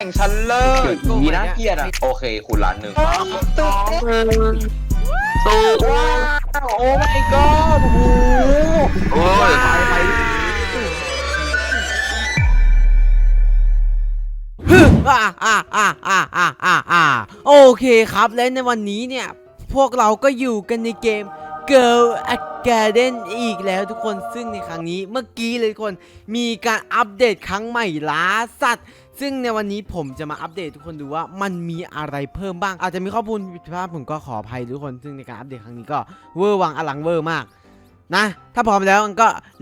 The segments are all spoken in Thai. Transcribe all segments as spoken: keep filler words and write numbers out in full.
งชั้นเลิศดีนะเกียรติอ่ะโอเคคุณล้านหนึ่งสองสูว้าวโอ้ my god โอ้โหโอ้ยไปไปอ่าอ่าอ่าอ่าอ่าอ่าอ่าโอเคครับและในวันนี้เนี่ยพวกเราก็อยู่กันในเกม Girl Academy อีกแล้วทุกคนซึ่งในครั้งนี้เมื่อกี้เลยทุกคนมีการอัปเดตครั้งใหม่ล้าสัตว์ซึ่งในวันนี้ผมจะมาอัปเดตทุกคนดูว่ามันมีอะไรเพิ่มบ้างอาจจะมีข้อมูลผิดพลาดผมก็ขออภัยทุกคนซึ่งในการอัปเดตครั้งนี้ก็เวอร์วังอลังเวอร์มากนะถ้าพร้อมแล้วก็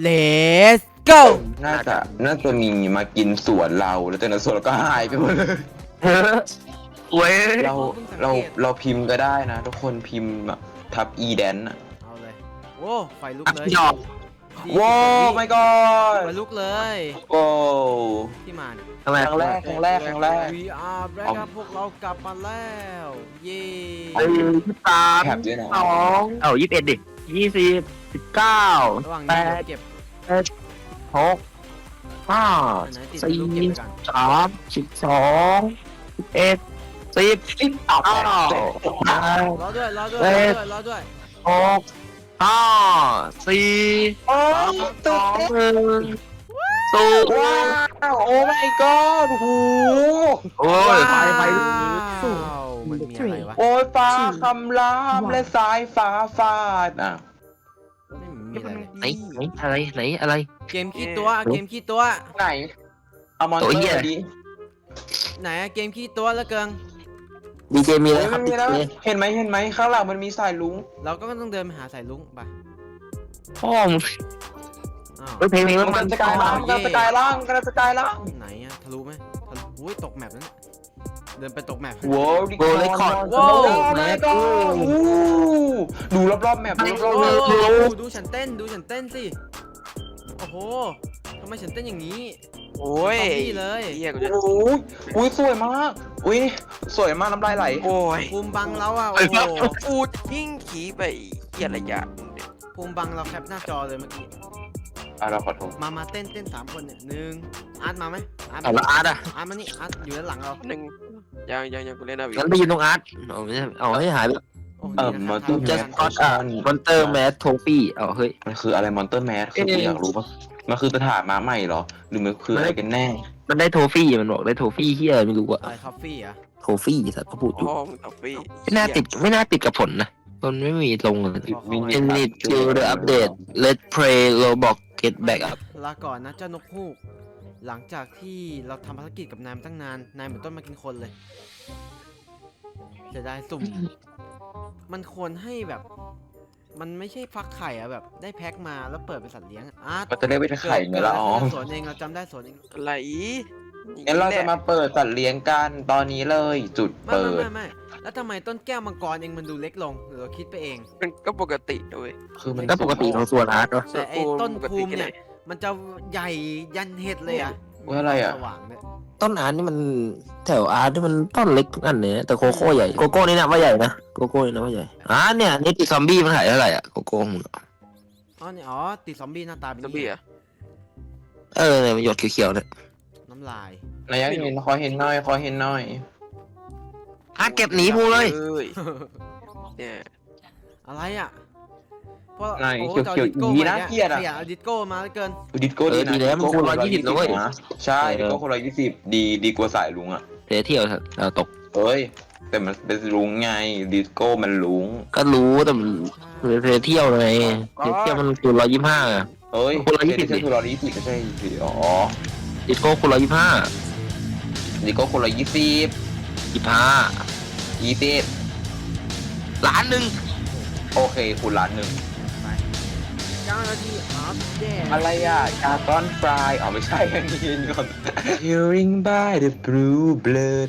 let's go น่าจะน่าจะมีมากินสวนเราแล้วจากนั้นสวนเราก็หายไปหมดเลยเว้ยเราเราเราพิมพ์ก็ได้นะทุกคนพิมพ์แบบทับ e แดนอะเอาเลยโว้ไฟลุกเลยว้าว my god ไฟลุกเลยโอ้ที่มาเนี่ยครั้งแรกครั้งแรกครั้งแรกวี อาร์ Black ครับพวกเรากลับมาแล้วเย้ไอ้ยี่สามสองเอ้ายี่สิบเอ็ดดิยี่สิบสิบเก้าแปดเก็บหกห้าสี่สามสิบสองสิบเอ็ดสิบสิบเก้ารอด้วยรอด้วยรอด้วยรอด้วยหกห้าสี่สามสองหนึ่งสูว้าวโอ้ my god โอ้โหโอ้ยไปไปมันมีอะไรวะโอ้ยฟ้าคำรามและสายฟ้าฟาดอ่ะไม่มีอะไรเลยไหนไหนอะไรไหนอะไรเกมขี้ตัวเกมขี้ตัวไหนเอามอนเตอร์ดิไหนเกมขี้ตัวแล้วเกิงดีเจมีแล้วครับเห็นไหมเห็นไหมข้างหลังมันมีสายลุงเราก็ต้องเดินไปหาสายลุงไปพ่อมึงเพลงเพลงแล้วมันสกายล่างกันสกายล่างกันสกายล่างไหนอะทะลุไหมทะลุอุ้ยตกแมปแล้วเดินไปตกแมปว้าวดิโกเลคอร์ดว้าวแม่ก็ดูรอบๆแมปรอบๆดูฉันเต้นดูฉันเต้นสิโอ้โหทำไมฉันเต้นอย่างนี้โอ้ยเลยโอ้ยอุ้ยสวยมากอุ้ยสวยมากน้ำลายไหลโอ้ยภูมิบังเราอ่ะโอ้โหพูดยิ่งขี่ไปเหี้ยอะไรอย่างภูมิบังเราแคปหน้าจอเลยเมื่อกี้อ่ะเราขอโทษมามาเต้นเต้นสามคนเนี่ยหนึ่งอาร์ตมาไหมอาร์ตอาร์ตอ่ะอาร์ตมานี่อาร์ตอยู่ด้านหลังเราหนึ่งยังยังยังกูเล่นนะวิงั้นไปยืนตรงอาร์ตเอาไม่ใช่เอาให้หายไปเออมอนเตอร์แมสอ่ะมอนเตอร์แมสโทฟี่เอาเฮ้ยมันคืออะไรมอนเตอร์แมสคืออยากรู้ป่ะมันคือสถานม้าใหม่เหรอหรือมันคืออะไรกันแน่มันได้โทฟี่มันบอกได้โทฟี่เฮียไม่รู้อะอะไรคอฟฟี่อะโทฟี่สัตว์เขาพูดอยู่ไม่น่าติดไม่น่าติดกับผลนะมันไม่มีลงเลย Init to the update Let's play Roblox get back up ลาก่อนนะเจ้านกฮูกหลังจากที่เราทำภารกิจกับนายมาตั้งนานนายเหมือนต้นมากินคนเลยจะได้สุ่มมันควรให้แบบมันไม่ใช่ฟักไข่อะแบบได้แพ็คมาแล้วเปิดเป็นสัตว์เลี้ยงอาร์ตก็จะได้เป็นไข่ไงล่ะอ๋อสวนเองเราจำได้สวนเองอะไรงั้นเราจะมาเปิดสัตว์เลี้ยงกันตอนนี้เลยจุดเปิดไม่ไม่แล้วทำไมต้นแก้วมังกรเองมันดูเล็กลงหรือเราคิดไปเองมันก็ปกติด้วยคือมันก็ปกติของส่วนอาร์ตเนาะแต่ไอ้ต้นภูมิเนี่ยมันจะใหญ่ยันเห็ดเลยอะว่าอะไรอะสว่างเนี่ยต้นอาร์ตนี่มันแถวอาร์ตนี่มันต้นเล็กทุกอันเลยแต่โกโก้ใหญ่โกโก้นี่นะว่าใหญ่นะโกโก้นี่นะว่าใหญ่อ่าเนี่ยนี่ติดซอมบี้มันขายเท่าไหร่อ่ะโกโก้มึงอ๋อเนี่ยอ๋อติดซอมบี้หน้าตาเป็นซอมบี้อะเออเนี่ยมันหยดเขียวๆเนี่ยน้ำลายนายยังเห็นขอเห็นหน่อยขอเห็นหน่อยอาร์ตเก็บหนีพูเลยเนี่ยอะไรอ่ะเพราะนายเขียวเขียวดีนะเกียร์อะเอาดิสโก้มาแล้วเกินดิสโก้ดีนะแล้วมันคูณร้อยยี่สิบเลยใช่ดิสโก้คูณร้อยยี่สิบดีดีกว่าสายลุงอะเที่ยวเที่ยวเราตกเฮ้ยแต่มันเป็นลุงไงดิสโก้มันลุงก็รู้แต่มันเที่ยวไงเที่ยวมันคูณร้อยยี่สิบห้าเฮ้ยคูณร้อยยี่สิบคูณร้อยยี่สิบก็ใช่อ๋อดิสโก้คูณร้อยยี่สิบห้าดิสโก้คูณร้อยยี่สิบยี่สิบห้ายี่สิบล้านหนึ่งโอเคคูณล้านหนึ่งเก้านาทีอัปเดตอะไรอ่ะกาตอนฟรายอ๋อไม่ใช่อันนี้ก่อน Hearing by the blue blood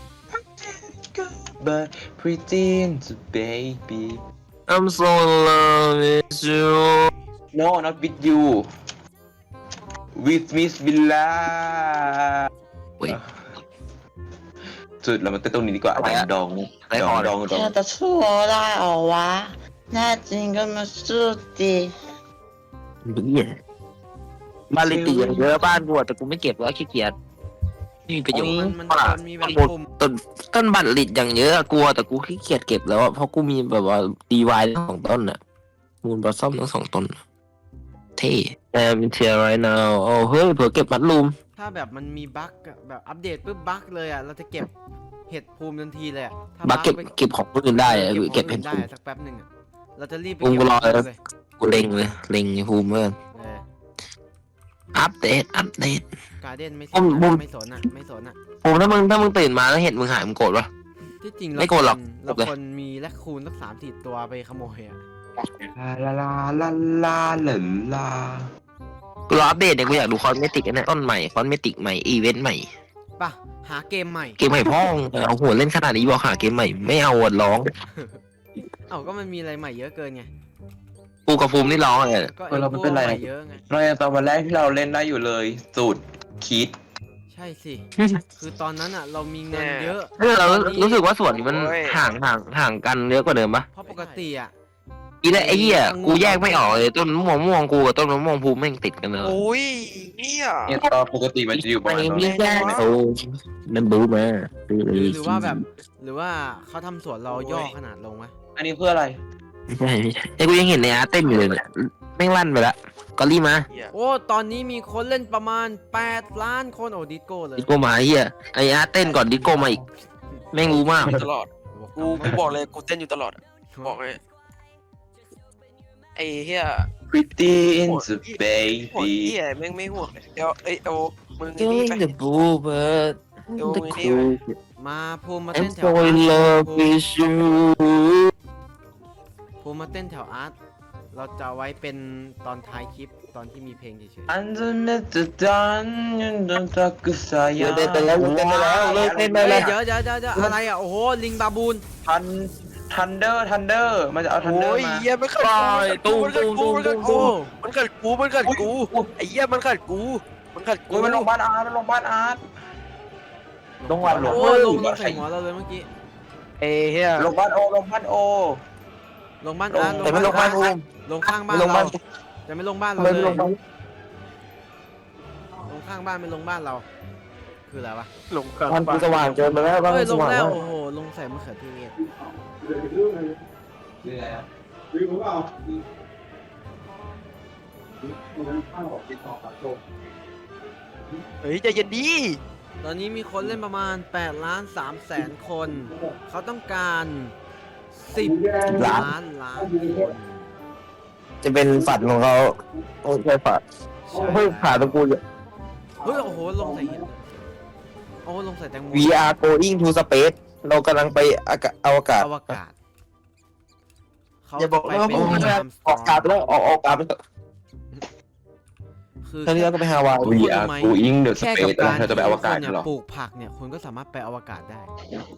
but pretend to baby I'm so in love with you No not with you with Miss Villa สุดเรามาเต้นตรงนี้ดีกว่าดองดองดองดองจะชั่วได้หรอวะแน่จริงก็มาสู้ดิเนี่ยบ้านเลขที่เยอะบ้านกูแต่กูไม่เก็บแล้วขี้เกียจมีประโยชน์มันมันปะล่ะมันมีแบบปุ่มต้นต้นบัตรลิดอย่างเยอะอะกลัวแต่กูขี้เกียจเก็บแล้วอะเพราะกูมีแบบว่าดีวายทั้งสองต้นอะมูลบอสซอมทั้งสองต้นอะเท่แอมเทียร์ไรนาวโอ้เฮ้ยเผื่อเก็บมัดลูมถ้าแบบมันมีบั๊กอะแบบอัปเดตปุ๊บบั๊กเลยอ่ะเราจะเก็บเห็ดภูมิทันทีเลยอะถ้าบักเก็บไปเก็บของคนอื่นได้อะเก็บเก็บขเป็องนได้ภูมิอะสักแป๊บหนึ่งอะเราจะรีบไปภูมิเก็บกูรอของเลยเลยกูเล็งเลยเล็งภูมิเมื่อนเอออัปเดตอัปเดตการ์เด้นไม่สผมนผมอะไม่สนอ่ะไม่สนอ่ะภูมิถ้ามึงถ้ามึงตื่นมาแล้วเห็นมึงหายมึงโกรธปะที่จริงไม่โกรธหรอกเราเลยคนมีแลคคูนสักสามสี่ตัวไปขโมยอ่ะลาลาลาลาลาลากูรออัปเดตเนี่ยกูอยากดูคอนเมติกนะต้นใหม่คอนเมติกใหม่อีเวนต์ใหม่ป่ะหาเกมใหม่เกมใหม่พ่องเอาหัวเล่นขนาดนี้บอกหาเกมใหม่ไม่เอาอะร้องเอ้าก็มันมีอะไรใหม่เยอะเกินไงกูกับภูมินี่ร้องอะไรก็เออเราไม่เป็นไรใหม่เยอะไงเรายังตอนวันแรกที่เราเล่นได้อยู่เลยสูตรคิดใช่สิคือตอนนั้นอ่ะเรามีเงินเยอะเออเรารู้สึกว่าส่วนนี้มันห่างห่างห่างกันเยอะกว่าเดิมปะเพราะปกติอ่ะอีแล้วไอ้เหี้ยกูแยกไม่ออกเลยต้นมะม่วงม่วงกูกับต้นมะม่วงภูมิแม่งติดกันเลยโอ้ยเนี่ยเนี่ยตอนปกติมันจะอยู่ประมาณนั้นไม่แยกโอ้นั่นบูมาหรือหรือว่าแบบ หรือว่าเขาทำสวนเราย่อขนาดลงไหมอันนี้เพื่ออะไรไม่ใช่ไม่ใช่ไอ้กูยังเห็นในอาร์ตเต้นอยู่เลยเนี่ยแม่งลั่นไปละก็รีบมาเหี้ยโอ้ตอนนี้มีคนเล่นประมาณแปดล้านคนโอ้ดิสโก้เลยดิโก้มาไอ้เหี้ยไอ้อาร์ตเต้นก่อนดิโก้มาอีกแม่งรู้มากตลอดกูกูบอกเลยกูเต้นอยู่ตลอดอะบอกเลยไอ้เฮีย Pretty in the หัว baby เฮียแม่งไม่ห่วงเลยเดี๋ยวเอ้ยโอมึง Doing นี่ไป the bluebird ดู the ไอ้นี่ cool มาภูมิมา I'm เต้นแถ so วอา in ร์ต love with you ภูมิมาเต้นแถวอาร์ตเราจะเอาไว้เป็นตอนท้ายคลิปตอนที่มีเพลงเฉย Underneath the dawn you don't talk to say เลิกเต้นไปแล้วเลิกเต้นไปแล้วเลิกเต้นๆไปเฮ้แล้ยว เดี๋ยวเดี๋ยวเดี๋ยวเดี๋ยวอะไรอ่ะโอ้โหลิงบาบูนทันทันเดอร์ทันเดอร์มันจะเอาทันเดอโอ้ร์ยมาเฮียมันขัดปล่อยตูมตูมตูมตูมโอ้มันขัดกูมันขัดกูไอ้เฮียมันขัดกูมันขัดกูโอ้ยมันลงบ้านอาร์ตมันลงบ้านอาร์ต ลงวันหลวงโอ้ลงลงใส่หัวเราเลยเมื่อกี้เอ้เฮียลงบ้านโอลงบ้านโอลงบ้านอาร์ตแต่ไม่ลงบ้านภูมิลงข้างบ้านไม่ลงบ้าเรานจะไม่ลงบ้านเราไม่เลยลงบ้านลงข้างบ้านไม่ลงบ้านเรา คืออะไรวะหลงขัดบ้านกูสว่างเกินไปแล้วบ้านเฮ้ยกูลสงว่างแล้แล้ว วโอ้โหลงใส่มะเขือเทศเฮ้ยใจเย็นดีตอนนี้มีคนเล่นประมาณ8ล้าน3แสนคน เขาต้องการ10ล้านล้านคนจะเป็นฝันของเขาโอ้ใช่ฝันใช่เฮ้ยขาตะกูอยู่เฮ้ยโอ้โหลงใส่เห็ดโอ้ลงใส่แตงโม we are going to space เรากำลังไปอากาศอวกาศอวกาศเขาอย่าบอกไปนะว่าเป็ผนมจะอาร์มสออกอากาศไปแล้วออกออกอากาศไปแล้วคือตอนนี้เราก็ไปฮาวาย We are going the แค่กับ space การเธอจะไปอวกาศที่เหรอคุณนี่ยปลูกผักเนี่ยคุณก็สามารถไปอวกาศได้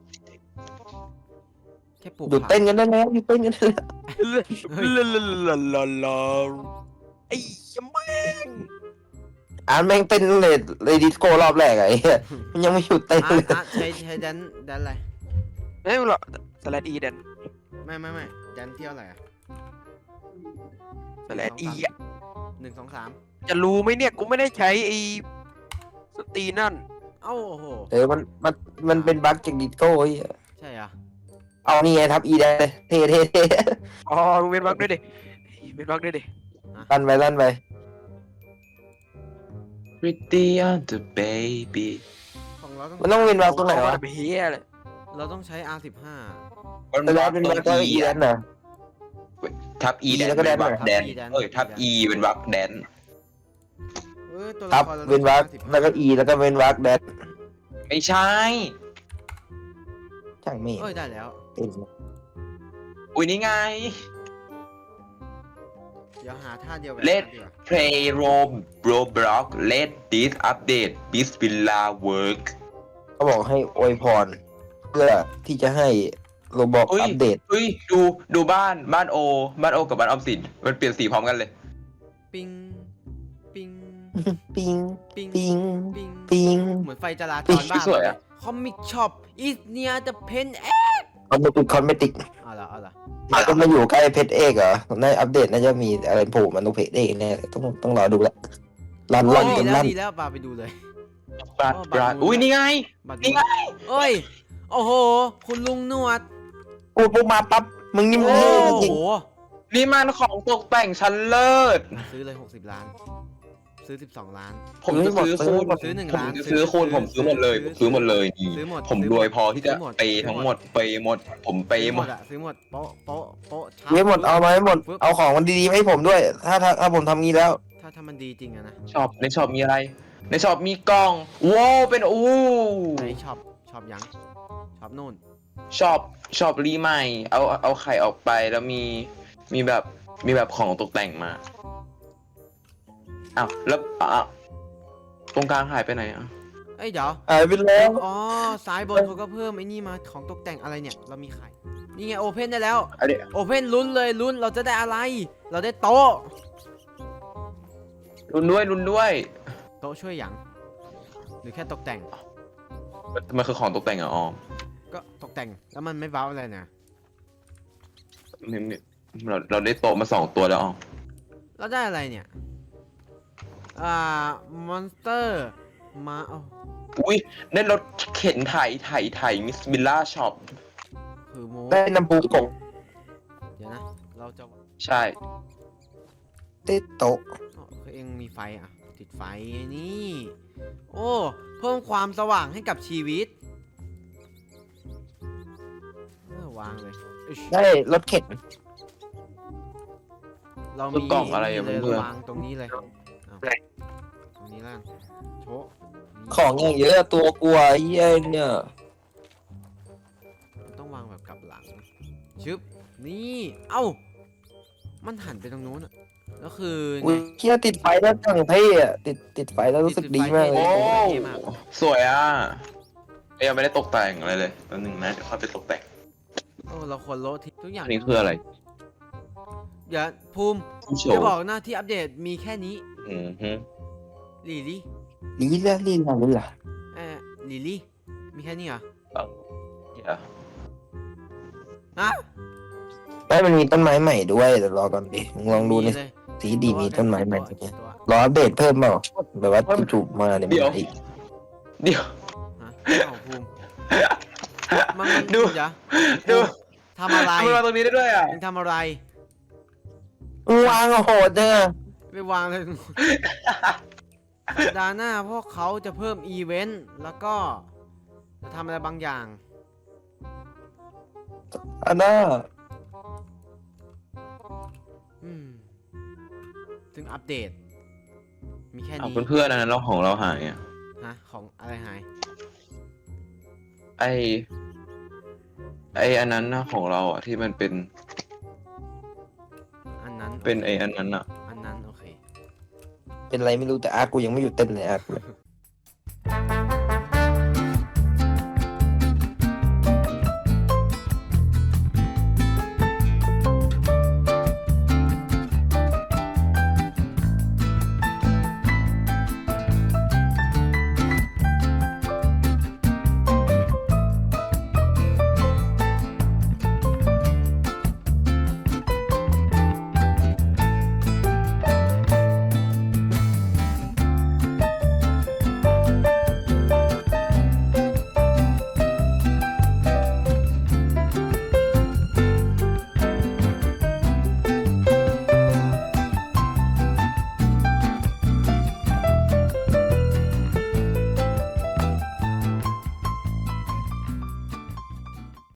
แค่ปลูกหยุดผักเต้นกันได้แล้วหยุดเต้นกันได้แล้วลาลาลาลาลาไอ้ยแม่งอ่านแม่งเต้นเลยเลยดิสโก้รอบแรกอะไอ้เหี้ยมันยังไม่หยุดเต้นอาร์เลตยอาร์ตใช้ใช้แดนแดนอะไรไม่หรอกสแลดอีเดนไม่ไม่ไม่แดนเที่ยวอะไรอะสแลดอีอะหนึ่งสองสามจะรู้ไหมเนี่ยกูไม่ได้ใช้ไอ้สตรีนั่นเอ้าโอ้โหเออมันมันมันเป็นบั๊กจากดิสโก้ไอ้เหี้ยใช่เหรอเอานี่ไงทับอีได้เลยเท่เท่เท่อ๋อมึงเว้นวักด้วยดิเว้นวักด้วยดิลั่นไปลั่นไป Pretty on the baby ของเราต้องมันต้องเป็นบั๊กตรงไหนวะไปเฮียเลยเราต้องใช้ อาร์ สิบห้าแต่แล้วเป็นบั๊กก็อีนั่นน่ะทับ E แดนแล้วก็แดนเป็นวักทับแดน E แดนเอ้ยทับ E เป็นวักแดนเอ้ยตัวทัละบครเราเว้นวักต้องใช้แล้วก็อีแล้วก็เว้นวักแดดไม่ใช่ช่างไม่เอ้ยได้แล้วเต็มอุ้ยนี่ไงเดี๋ยวหาท่าเดียวแบบเล่นดีกว่า Play Rome Roblox Let this update Bismillah work เขาบอกให้อวยพร เพื่อที่จะให้โรบอกเอ้ยอัปเดตเฮ้ยดูดูบ้านบ้านโอ บ้านโอกับบ้านออมสินมันเปลี่ยนสีพร้อมกันเลยปิงปิงปิงปิงปิงปิงปิงเหมือนไฟจราจปิ๊รง บ้านสวยอะคอมิกช็อปอีสเนียจะเพนเอคอนเมติกคอนเมติกเอาละเอาละมันก็มาอยู่ใกล้เพจเอกเหรอในอัปเดตน่าจะมีอะไรโผล่มาตรงเพจเอกแน่ต้องต้องรอดูละรันโอ้รันดีกันแล้วรันดีแล้วปาไปดูเลยบราดบราดอุ้ยนี่ไงบัตรนี่ไงเอ้ย โอ้โห คุณลุงหนวดพูดปุ๊บมาปั๊บมึงนี่มึงโอ้เท่จริงโหนี่มันของตกแต่งชั้นเลิศซื้อเลยหกสิบล้าน ซื้อสิบสองล้านผมจะซื้อคูณซื้อหนึ่งผมล้านจะซื้อคูณผมซื้อหมดเลยผมซื้อหมดเลยนี่ซื้อหมดผมซื้อรหมดวยพอที่จะซื้อหมดเปย์ทั้งหมดเปย์หมด ผมเปย์หมดอะซื้อหมด โป๊ะ โป๊ะ โป๊ะชับๆไม่หมดเอามาให้หมด เอาของมันดีๆมาให้ผมด้วย ถ้าถ้าถ้าผมทำงี้แล้วถ้าถ้ามันดีจริงอะนะช็อปในช็อปมีอะไร ในช็อปมีกล่องว้าวเป็นอู้ไหนช็อป ช็อปยัง ช็อปนู่นช็อปช็อปรีใหม่ เอาเอาไข่ออกไปแล้วมีมีแบบมีแบบของตกแต่งมาอ้าวแล้วอ่ะตรงกลางหายไปไหนอ่ะเอ้ยเดี๋ยวหายไปแล้วอ๋อซ้ายบนเขาก็เพิ่มไอ้นี่มาของตกแต่งอะไรเนี่ย เรามีไข่ นี่ไงโอเพนได้แล้วอันนี้โอเพนลุ้นเลยลุ้น เราจะได้อะไร เราได้โต๊ะรุนด้วยรุนด้วยโต๊ะช่วยหยัง หรือแค่ตกแต่งมันมันคือของตกแต่งเหรอ่ะออมก็ตกแต่ง แล้วมันไม่บ้าอะไรนะนี่นี่เราเราได้โต๊ะมาสองตัวแล้วอ๋อแล้วได้อะไรเนี่ย อ่ามอนสเตอร์ มาเอาอุ้ยได้รถเข็นไถไถไถมิสบิลล่าช็อปคือโมได้น้ำปูกบเดี๋ยวนะ เราจะใช่ได้โต๊ะอ๋อคือเองมีไฟอ่ะ ติดไฟนี่ โอ้ เพิ่มความสว่างให้กับชีวิตเออวางเลยอึชได้รถเข็นเราคืมีอกล่องอะไรอ่ะเลยเพื่อนวางตรงนี้เลยเอาตรงนี้ล่างโชะนี่ของอย่างเยอะตัวกลัวไอ้เหี้ยเนี่ยมันต้องวางแบบกลับหลัง ชึบ นี่ เอ้า มันหันไปตรงนู้นอะแล้วคืออุ้ยเหี้ยติดไฟแล้วจังเท่อะติดติดไฟแล้วรู้สึกดีมากเลโอ้ยสวยอ่ะยังไม่ได้ตกแต่งอะไรเลยแป๊บนึงนะเดี๋ยวค่อยไปตกแต่งโอ้ เราควรโลดทิ้งทุกอย่างอันนี้คืออะไรอย่าภูมิผู้โชจะว์บอกหน้าที่อัปเดตมีแค่นี้อืมฮึลิลี่ลีละลีละลีละเออลิลี่ มีแค่นี้เหรอเดี๋ยวฮะไม่มันมีต้นไม้ใหม่ด้วยเดี๋ยวรอก่อนดิมึงลองดูในมีเลยสีดีมีต้นไม้ใหม่ตัวเนี่ยตัวรออัปเดตเพิ่มเปล่าแบบว่าจู่ๆมาเนี่ยมันมาอีกเดี๋ยวฮะเอาภูมิมันมันดูเดี๋ยวดูทำอะไรมันมาตรงนี้ได้ด้วยอ่ะมึงทำอะไรมึงวางโหดเนี่ยไปวางเลย สัปดาห์หน้าพวกเขาจะเพิ่มอีเวนต์แล้วก็จะทำอะไรบางอย่างอันน่าอืมซึ่งอัปเดต มีแค่เอานี้เพื่อนๆอันนั้นเราของเราหายอ่ะฮะของอะไรหายไอไออันนั้นนะของเราอ่ะที่มันเป็นอันนั้นเป็นไออันนั้นอ่ะอันนั้นโอเคเป็นไรไม่รู้แต่อาร์ตกูยังไม่หยุดเต้นเลยอาร์ต